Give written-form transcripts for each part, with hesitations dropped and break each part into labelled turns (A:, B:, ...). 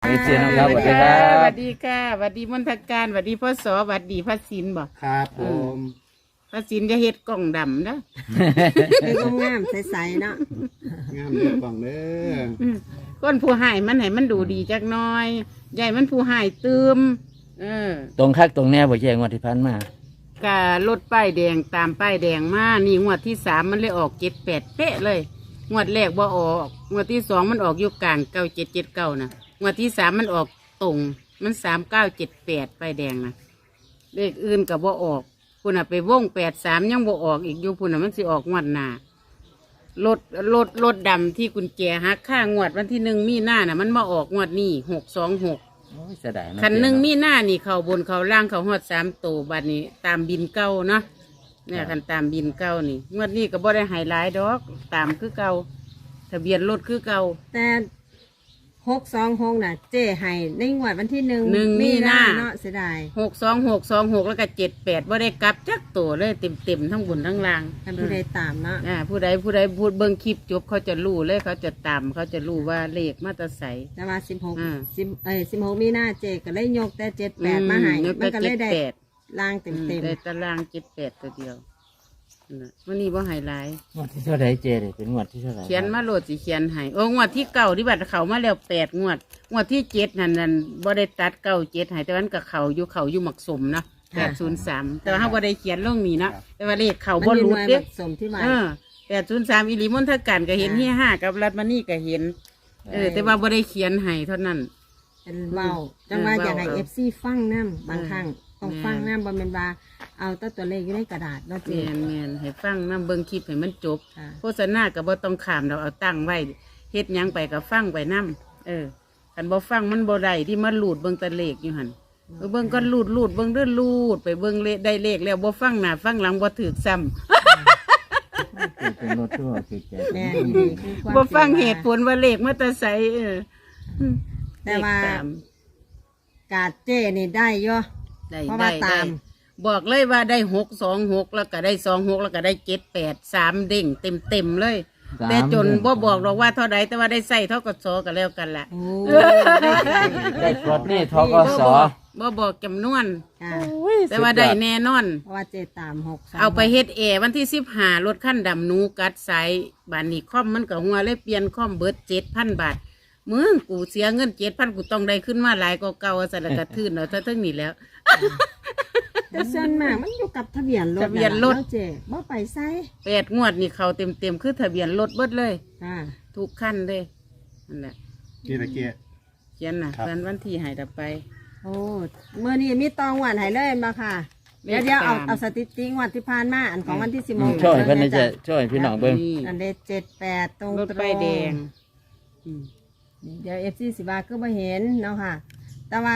A: เสียน้องครับสวัสดีครับ
B: สวัสดีค่ะสวัสดีมนทการสวัสดีพ่อสอสวัสดีพระศิลป์บ่
C: ครับผม
B: พระศิลป์จะเฮ็ดกล่องดำนะ
D: เป็นงามใสๆเนาะ
C: งามเด้อกล่องเด้อ
B: ก้นผู้หายมันให้มันดูดีจักหน้อยใหญ่มันผู้หายตืม
A: ตรงคักตรงแน่บ่แย่งวดที่ผ่านมา
B: ก็รถป้ายแดงตามป้ายแดงมานี่งวดที่3มันเลยออก7-8เป๊ะเลยงวดแรกบ่ออกงวดที่2มันออกอยู่กลาง9779นะงวดที่3มันออกตรงมัน3978ป้ายแดงนะเลขอื่นก็บ่ออกพุ่นน่ะไปวง83ยังบ่ออกอีกอยู่พุ่นน่ะมันสิออกงวดหน้ารถดำที่กุญแจหักค่างวดวันที่1มีนาน่ะมันมาออกงวดนี้626
A: โอ้ยเสียดายเาะ
B: คัน1มีนานี่เขาบนเขาล่างเขาฮอด3ตัวบัดนี้ตามบินเก่าเนาะเนี่ยคันตามบินเก่านี่งวดนี้ก็บ่ได้ไฮไลท์ดอกตามคือเก่าทะเบียนรถคือเก่า
D: แต่626น่ะเจ้ให้ในงวดวันที่1
B: 1มีนา
D: เนาะเสียดาย
B: 62626แล้วก็78บ่ได้กลับจักตัวเลยเต็มทั้งบนทั้งล่าง
D: ท่านผู้ใดตามเนาะ
B: ผู้ใดพูดเบิ่งคลิปจบเขาจะรู้เลยเขาจะตามเขาจะรู้ว่าเลขมาแตรใส
D: แต่ว่า
B: อ่า
D: 16มีนาเจ้ก็เลยยกแต่78มาให้มันก็เลยได้ล่างเต็ม
B: ได้ตาราง78ตัวเดียวนั่นน่ะวันนี้บ่ไฮไลท์
A: งวดที่เท่าไหร่เจเลยเป็นงวดที่เท่าไหร่
B: เขียนมาโหลดสิเขียนให้งวดที่เก่าที่บัตรเขามาแล้ว8 งวดที่7นั่นบ่ได้ตัด97ให้แต่วันกับเขาอยู่หมักสมเนาะ803แต่ว่าเฮาบ่ได้เขียนลงนี้เนาะแต่ว่าเลขเขา
D: ๆ
B: บ่
D: มัน
B: หลุ
D: มี
B: ด
D: หน่วย
B: เด้
D: ผสมที่มา
B: 803อีหลีมนทการก็เห็น
D: ค่ะ
B: เฮีย5กับรัฐมณีก็เห็นแต่ว่าบ่ได้เขียนให้เท่านั้น
D: เป็นเว้าจังว่าอยากให้
B: เว้า
D: FC ฟังนํบางครั้งต้องฟังนํบ่แม่นว่าเอาแต่ตัวเลขอยู่ในกระดาษเนาะเจ้
B: แม่นให้ฟังนำเบิ่งคลิปให้มันจบ
D: ค่ะ
B: โฆษณาก็บ่ต้องขามเราเอาตั้งไว้เฮ็ดหยังไปก็ฟังไปนํคันบ่ฟังมันบ่ได้ที่มันหลุดเบิ่งแตะเลขอยู่หั่นเบิ่งก็หลุดเบิ่งเด้อหลุดไปเบิ่งเลขได้เลขแล้วบ่ฟังหน้าฟังหลังบ่ถูกซ้ำ
A: เป็นรถทั่วเจ๊
D: แม่นดีคือความ
B: บ่ฟัง
D: จริ
B: เหตุผลว่าเลขมาแต่ไส
D: แต่ว่า
B: เลขตม
D: กาดเจ้นี่ได้เยอะ
B: ได้
D: เพราะ
B: ได้
D: ว่าตาม
B: ได้บอกเลยว่าได้626แล้วก็ได้26แล้วก็ได้78 3เด้งเต็มเลย แต่จนบ่บอกหรอกว่าเท่าใดแต่ว่าได้ใส่เท่ากับซอกันแล้วกันล่ะ
D: โอ้
A: ได้กดนี่ทกส
B: บ่บอกจำนวน
D: ค่ะ
B: แต่ว่าได้แน่นอน
D: เพราะว่าเจตาม6
B: เอาไปเฮ็ดวันที่15รถขั้นดำหนูกัดสายบานนี้คอมมันก็หัวเลยเปลี่ยนคอมเบิด 7,000 บาทมึงกูเสียเงิน 7,000 กูต้องได้ขึ้นมาหลายกว่าเก่าซะแล้วก็ทื่นเอาซะทั้งนี้แล้ว
D: แต่ส่วนมากมันอยู่กับทะเบียนรถ
B: ทะเบียนรถ
D: าะเจบ่ไปไส
B: 8 งวดนี่เขาเต็มคือทะเบียนรถเบิดเลย
D: ค่ะ
B: ทุกขั้นเลยนั่นแหละ
C: กี่ตะเกียบ
B: เขียนน่ะ
C: ครับ
B: เพิ่นวันที่ให้ต่อไป
D: โอ้เมื่อนี้มีตองหวานให้เลยมาค่ะ
B: เล
D: เดี๋ย
B: ข
D: วเดี๋ยวเอา
B: ตาม
D: เอาสถิติงวดที่ผ่านมาอันของวันที่16
A: ช่วยเพิ่นนี่จะช่วยพี่น้องเบิ่ง
B: นี่
D: อันเด78ตรง
B: รถป้ายแดงอืม
D: เดี๋ยว FC สิบาก็บ่เห็นเนาะค่ะ แต่ว่า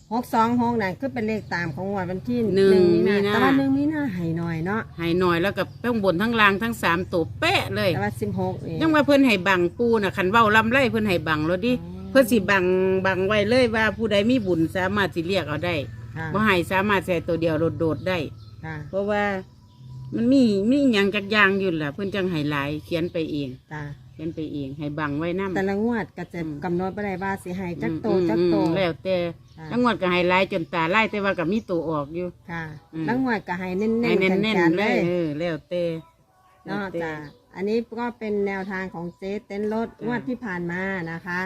D: 626นั่นคือเป็นเลขตามของงวดวันที่
B: หนึ่งมีนา
D: แต่ว่า1มีนาให้หน่อยเนาะ
B: ให้หน่อยแล้วก็ทั้งบนทั้งล่างทั้ง3ตัวเป๊ะเลย
D: แต่ว่า16นี่
B: ยังว่าเพิ่นให้บังปูน่ะคันเว้าลำไรเพิ่นให้บังแล้วดิเพิ่นสิบังไว้เลยว่าผู้ใดมีบุญสามารถสิเรียกเอาได้
D: ค่ะ
B: บ่ให้สามารถใส่ตัวเดียวโดดๆได้
D: ค่ะ
B: เพราะว่ามันมีหยังจักอย่างอยู่ล่ะเพิ่นจังให้หลายเขียนไปเอง
D: จ้า
B: เขียนไปเองให้บังไว้นำ
D: แต่ละงวดก็จะกำหนดบ่ได้ว่าสิให้จักโตจักโต
B: แล้วแต่
D: ค่ะ
B: ทั้งหมดก็ให้หลายจนตาลายแต่ว่าก็มีตัวออกอยู่
D: ค่ะ
B: อืม
D: แล้วงวดก็ให้เน้น
B: ให้
D: ๆ
B: แน่น
D: แข็ง
B: ๆ
D: ๆ
B: เล
D: เลย ย
B: แล้วแต่
D: เนาะจ้าอันนี้ก็เป็นแนวทางของเจ๊เต้นรถงวดที่ผ่านมานะคะ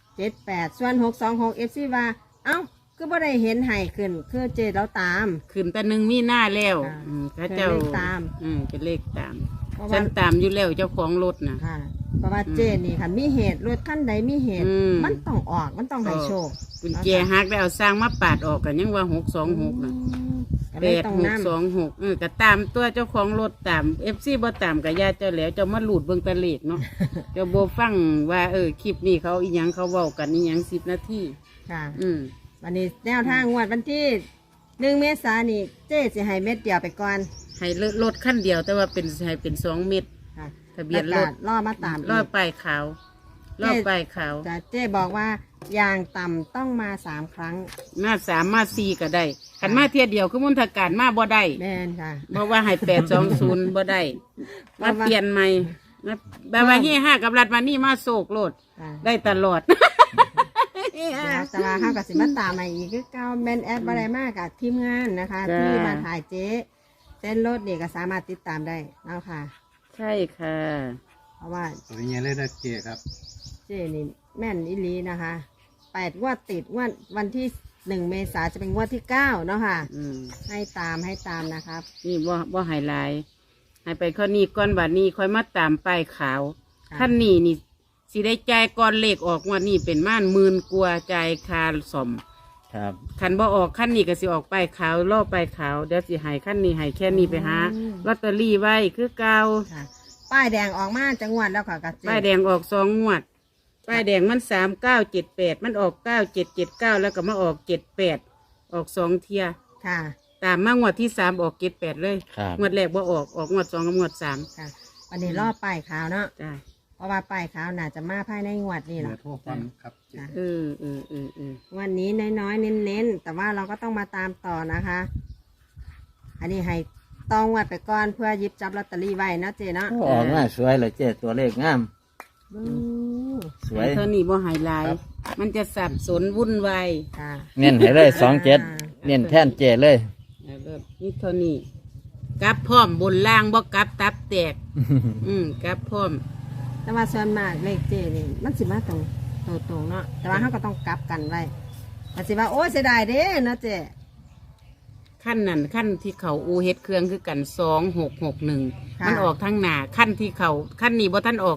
D: 78ส่วน626 FC ว่าเอ้าก็บ่ได้เห็นให้ขึ้นคือเจ๊เราตาม
B: ขึ้นแต่1มีหน้าแล้ว
D: ค่ะ
B: เขาเจ้า
D: เป็นเลขตาม
B: เป็นเลขตาม
D: เพราะ
B: ฉั
D: ว่าน
B: ตามอยู่แล้วเจ้าของรถน่ะ
D: ค่ะ เพราะว่าเจ๊นี่ค่ะมีเหตุรถคันใดมีเหตุ
B: อืม
D: มันต้องออกมันต้องให้โชค
B: กุญแจหักได้เอาสร้างมาปาดออกกันยังว่า626น่ะ
D: ก็เลยต้องนำ
B: 86ก็ตามตัวเจ้าของรถตาม FC บ่ตามก็ญาติเจ้าแล้วเจ้ามาหลุดเบิ่งแตะเลขเนาะ เจ้าบ่ฟังว่าคลิปนี้เขาอีหยังเขาเว้ากันอีหยัง10 นาที
D: ค่ะ
B: อืม
D: วันนี้แนวทางงวดวันที่1 เมษายนนี่เจ๊สิให้เม็ดเดียวไปก่อน
B: ให้รถคันเดียวแต่ว่าให้เป็น2 เม็ด
D: ค่ะ
B: ทะเบียนรถ
D: แล้วก็ล่อมาตาม
B: รอบป้ายขาวรอบป้ายขาว
D: แต่เจ๊บอกว่าอย่างต่ำต้องมา3 ครั้ง
B: มา3มา4ก็ได้คันมาเที่ยเดียวคือมนทการมาบ่ได้
D: แม่นค่ะ
B: เพราะว่าให้820บ่ได้มาเปลี่ยนใหม่มาแบบว่าเฮ5กับรัฐมานี่มาโศกโลด
D: ค่ะ
B: ได้ตลอด
D: แต่ว่าเขากับสิมาตามมาอีกคือเก้าแมนแอดอะไรมากกับทีมงานนะคะ ที่มาถ่ายเจ๊เต้นรถนี่ก็สามารถติดตามได้เอาค่ะ
B: ใช่ค่ะ
D: เพราะว่า
C: ตัวนี้เลยนะเจ๊ครับ
D: เจ๊นี่แม่นอิลีนะคะ8 งวดติดงวดวันที่1 เมษาจะเป็นงวดที่9เนาะค่ะ
B: อืม
D: ให้ตามนะครับ
B: นี่บ่ไฮไลท์ให้ไปข้อนี้ก้อนบาทนี้ค่อยมาตามป้ายขาว
D: ค่ะ
B: ขั้นนี้นี่สิได้จ่ายก้อนเลขออกงว่านี่เป็นม่าน10,000กว่าจ่ายคาสม
A: ครับ
B: คันบ่ออกขั้นนี้ก็สิออกป้ายขาวล่อป้ายขาวเดี๋ยวสิให้ขั้นนี้ให้แค่นี้ไปหาลอตเตอรี่ไว้คือเก่า
D: ค่ะป้ายแดงออกมาจังหวัดแล้วค่ะกับเจ๊
B: ป้ายแดงออก2 งวดป้ายแดงมัน3978มันออก9779แล้วก็มาออก78ออก2 เที่ย
D: ค่ะ
B: ตามมางวดที่3ออก78เลย
A: ครับ
B: งวดแรกบ่ออกงวด2กับงวด3
D: ค่ะ วันนี้รอบป้ายขาวเนาะ
B: จ้า
D: เพราะว่าป้ายขาวน่าจะมาภายในงวดนี่
C: เบ
D: แห
C: อ
D: ละ
C: ร์โทรฟังครับเจ๊
B: เออ
D: วันนี้น้อยๆเน้นๆแต่ว่าเราก็ต้องมาตามต่อนะคะ อันนี้ให้ต้องวัดไปก่อนเพื่อหยิบจับลอตเตอรี่ไว้นะเจ๊เนาะ
A: โอ้ออกมาสวยเลยเจ๊ตัวเลขงาม สวย
B: เท่านี้บ่ไฮไลท์มันจะสับสนวุ่นวาย
D: ค่ะ
A: เน้นให้เลย27เน้นแท่นเจ๊เลย
B: นี่เท่านี้กลับพร้อมบนล่างบ่กลับตับแตก กลับพร้อม
D: แต่ว่าส่วนมากเลขเจ๊นี่มันสิมาตรงเนาะแต่ว่าเขาก็ต้องกลับกันไว้มันสิว่าโอ้เสียดายเด้เนาะเจ๊
B: ขั้นนั้นขั้นที่เขาอูเฮ็ดเครื่องคือกัน2661มันออกทั้งหน้าขั้นที่เขาขั้นนี้บ่ท่านออก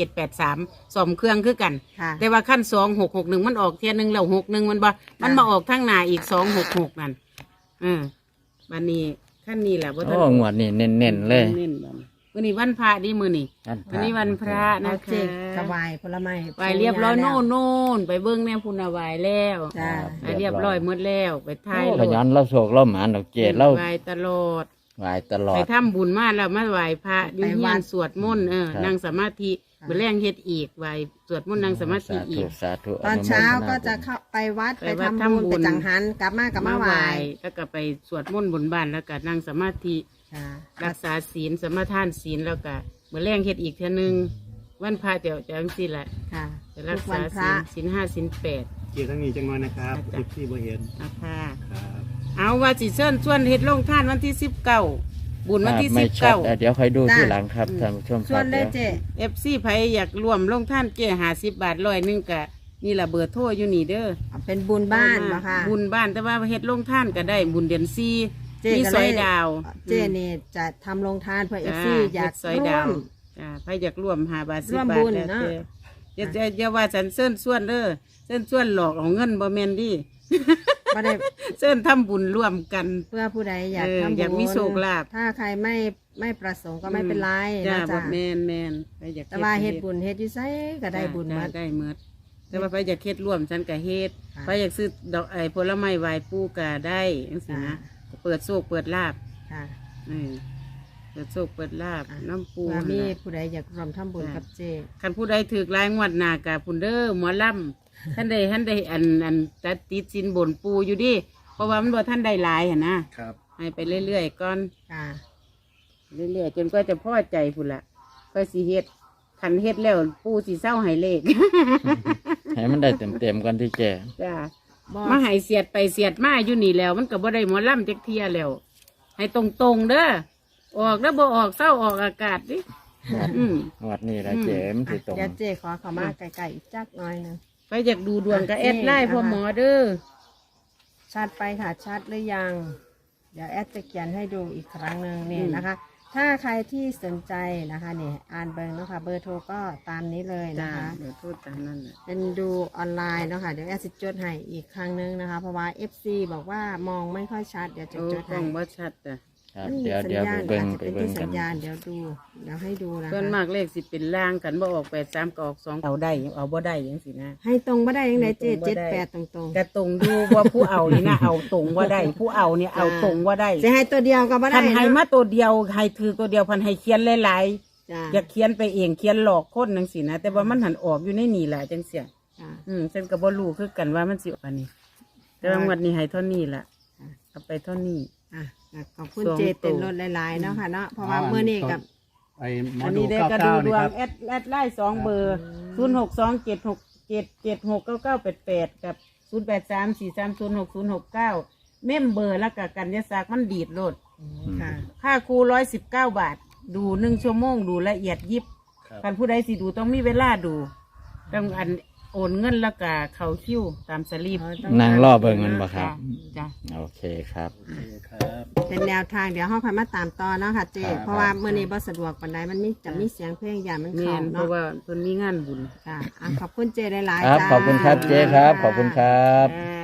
B: 2783สมเครื่องคือกัน
D: ค่ะ
B: แต่ว่าขั้น2661มันออกเทียนึงแล้ว61มันบ่มันมาออกทั้งหน้าอีก266นั่นบัดนี้ขั้นนี้แหละบ่ท่าน
A: โอ้งวดนี่เน้นๆเลย
B: เน้นๆบัดนี้มื้อนี้วันพระดีมื้อนี้ วันนี้วันพระ
D: เอา
B: นะ
D: เจ๊
B: คะ
D: ถวายผลไม้
B: ไหวเรียบร้อย
D: แล้ว
B: โน่นไปเบิ้งแนวพุนาวายแล้ว
D: จ้า
B: ไหวเรียบร้อยหมดแล้วไปทาย
A: โอ้ขยันเราโศกเราหมานดอกเจ๊เรา
B: ไหวตลอด
A: ไหวตลอ
B: ไป
A: ด
B: ทำบุญมาแล้วมาไหวพระอยู่เฮียนสวดมนต์
A: ครับ
B: นั่งสมาธิไปแรงเฮ็ดอีกไหวสวดมนต์นั่งสมาธิ
A: สา
B: อี
A: ธุ
B: ก
A: สาธุ
D: ตอนเช้าก็จะ
A: อนุโมทนา
D: เข้าไปวัด
B: ไป
D: ไป
B: วัด
D: ทำบุญ
B: ทำบุญ
D: ไปจังหันกลับมากลับมาไหว
B: แล้วก็ไปสวดมนต์บนบ้านแล้วก็นั่งสมาธิ
D: ค่ะ
B: รักษาศีลสมาทานศีลแล้วก็เมื่อแรงเฮ็ดอีกเท่านึงวันพระเดี๋ยวจะจังซี่แหละ
D: ค่ะ
B: จะรั
D: ทุ
B: ก
D: กวั
B: ษาน
D: พ
B: ศี
D: ระ
B: ลศีล5ศีล8
C: เจ๊ทั้งนี้จังน้อยนะครับ
B: จ้ะ
C: ที่บ่เห็น
B: นะคะ
C: ครับ
B: เอาว่าสิเชิญชวนเฮ็ดลงท่านวันที่19บุญวันที่
A: ไม่ชัด
B: 19
A: เดี๋ยวค่อยดูที่หลังครับท่านผู้ชมค
D: ส่ว
A: รั
D: น
A: บ
D: ได้
A: เดี๋ยว
D: เจ๊
B: FC ไผอยากรวมลงท่านเจ้50 บาท100กะนี่ล่ะเบอร์โทรอยู่นี่เด้อ
D: เอาเป็นบุญบ้านนะคะ
B: บุญบ้านแต่ว่าเฮ็ดลงท่านก็ได้บุญเดือน4
D: เจ๊
B: มี
D: ก็
B: ซ
D: เล
B: อยดาว
D: เจ๊นี่จะทำโรงทานเพื่อเอ
B: จ้า
D: ฟซีอยาก
B: เฮ็ดซอย
D: ร่
B: ดาว ว
D: ม
B: จ้าไผอยากร่วม5 บาท10
D: ร่วม
B: บาท
D: บุญ
B: แล้ว
D: เนาะ
B: อย่าว่าฉันเชิญชวนเด้อเชิญชวนหลอกเอาเงินบ่แม่นดิ
D: ก็ได้
B: เชิญทำบุญร่วมกัน
D: เพื่อผู้ใดอยาก
B: เออ
D: ทำบุญ
B: อยากมีโชคลาภ
D: ถ้าใครไม่ประสงค์ก็ไม่เป็นไร
B: จ้า
D: นะ
B: บ่
D: จ๊ะ
B: แม่นไปอยาก
D: แต่ว่าเฮ็ดบุญเฮ็ดอยู่ไสก็ได้บุญหม
B: จ้า
D: ด
B: ได้หมดแต่ว่าไปอยากเฮ็ดร่วมฉันก็เฮ็ด
D: ค่ะ
B: ไปอยากซื้อดอกผลไม้ไหว้ปู่ก็ได้จังซี่นะเปิดโชคเปิดลาภ
D: ค่ะ
B: เปิดโชคเปิดลาภน้ำปู
D: เพื่อมี
B: นั่นล่ะ
D: ผู้ใดอยากร่วมทำบุญกับเจ๊
B: คันผู้ใดถือรายงวดหน้ากะพุ่นเด้อหมอลำ ท่านได้อันตัดติดสินบนปูอยู่ดิเพราะว่ามันบ่ท่านได้หลายหั่นนะครับ ให้ไปเรื่อยๆก่อน
D: ค่ะ
B: เรื่อยๆจนก็จะพอใจพุ่นละก็สิเฮ็ดคันเฮ็ดแล้วปูสิเศร้าให้เลข
A: ให้มันได้เต็มๆกันที่เจ๊
B: จ้า
D: บ่
B: มาให้เสียดไปเสียดมาอยู่นี่แล้ว มันก็บ่ได้หมอลำจักเทียแล้ว ให้ตรงๆเด้อออกแล้วบ่ออกเศร้าออกอากาศดิอืม
A: งวดนี้ละเจ๊มันสิตรง
D: เดี๋ยวเจ๊ขอเข้ามาไกลๆอีกจักหน่อยหนึง
B: ไปอยากดูดวงก็แอดไลน์
D: นี่
B: พ่อ
D: นะคะ
B: หมอเด้อ
D: ชัดไปค่ะชัดหรือยัง เดี๋ยวแอดจะเขียนให้ดูอีกครั้งหนึ่งนี่นะคะ ถ้าใครที่สนใจนะคะนี่อ่านเบอร์นะคะเบอร์โทรก็ตามนี้เลย
B: จ้า
D: นะคะ
B: เดี๋ยวพูดตามนั้นแหละ
D: เป็นดูออนไลน์เนาะค่ะเดี๋ยวแอดจะจดให้อีกครั้งหนึงนะคะ เพราะว่า FC บอกว่ามองไม่ค่อยชัดเดี๋ยวจะ
B: โอ้
D: จด
B: กล้
D: ให้
B: องบ่ชัดจ้ะ
A: ครับ
D: นี่
A: เดี๋ยว
D: สัญ
A: เดี๋ยว
D: ญา
A: ไป
D: ณ
A: เบิ่ง
D: อาจจะ
A: ไป
D: เป็น
A: เบิ่ง
D: ที่
A: กั
D: สั
A: น
D: ญญาณเดี๋ยวดูเดี๋ยวให้ดูนะ
B: ส่วน
D: คะ
B: มากเลขสิเป็นล่างกันบ่ออก8 3ก็ออก2เอาได้เอาบ่ได้จังซี่นะ
D: ให้ตรงบ่ได้ยังไงเจ๊
B: ให้ตรงบ่ได้
D: 78ตรง
B: กระตรงดูว่าผู้เอานี่นะเอาตรงว่าได้ ผู้เอาเนี่ยเอาตรงว่าได้
D: ๆจะให้ตัวเดียวก็บ่ได้
B: พันให้
D: เนาะ
B: มาตัวเดียวให้ถือตัวเดียวพันให้เขียนหลาย
D: จ้า
B: ๆอยากเขียนไปเองเขียนหลอกคนจังซี่นะแต่ว่ามันหันออกอยู่ในนี่แหละจังเสีย
D: จ้า
B: ฉันก็บ่รู้คือกันว่ามันสิออกอันนี้ แต่ว่างวดนี้ให้เท่านี้ล่ะเอาไปเท่านี้
D: อ่ะขอบคุณ
B: สอง
D: เจเต็น
B: ตัว
D: รถหลายๆเนาะค่ะเนาะเพราะว่าเมื่อนี้กับ
C: ไอ้หมอ
B: อัน
C: ดู
B: นี้ได้
C: เก้าก
B: ระ
C: เก้า
B: ดูด
C: นี่
B: ว
C: ค
B: ง
C: รับ
B: แอดไลน์2เบอร์ 08769988กับ0834306069เมมเบอร์แล้วก็กันยศักดิ์มันดีดโลด
D: ค่ะ
B: ค่าครู119 บาท ดู1 ชั่วโมงดูละเอียดยิบ
C: ครับ
B: คันผู้ใดสิดูต้องมีเวลาดูต้องอันโอนเงินแล้วก็เขาคิวตามสลีป
A: นั่งรอเบิ่งมันบ่ครับ
B: จ้ะ
A: โอเคครับ
C: โอเคครับ
D: เป็นแนวทางเดี๋ยวห้องพันมาตามต่อเนาะค่ะเจ
C: ครับ
D: เพราะว่าเมื่อนี้บ่สะดวกปานใดมันมีจะมีเสียงเพลงอย่ามัน
B: แม่
D: เข้าน
B: เพ
D: เนาะ
B: ราะว่าเพิ่นมีงานบุญ
D: ค่ะอ่ะขอบคุณเจหลาย
A: ครับ
D: ๆจ้า
A: ขอบคุณครับเจ๊ครับ ขอบคุณครับ
B: อ่า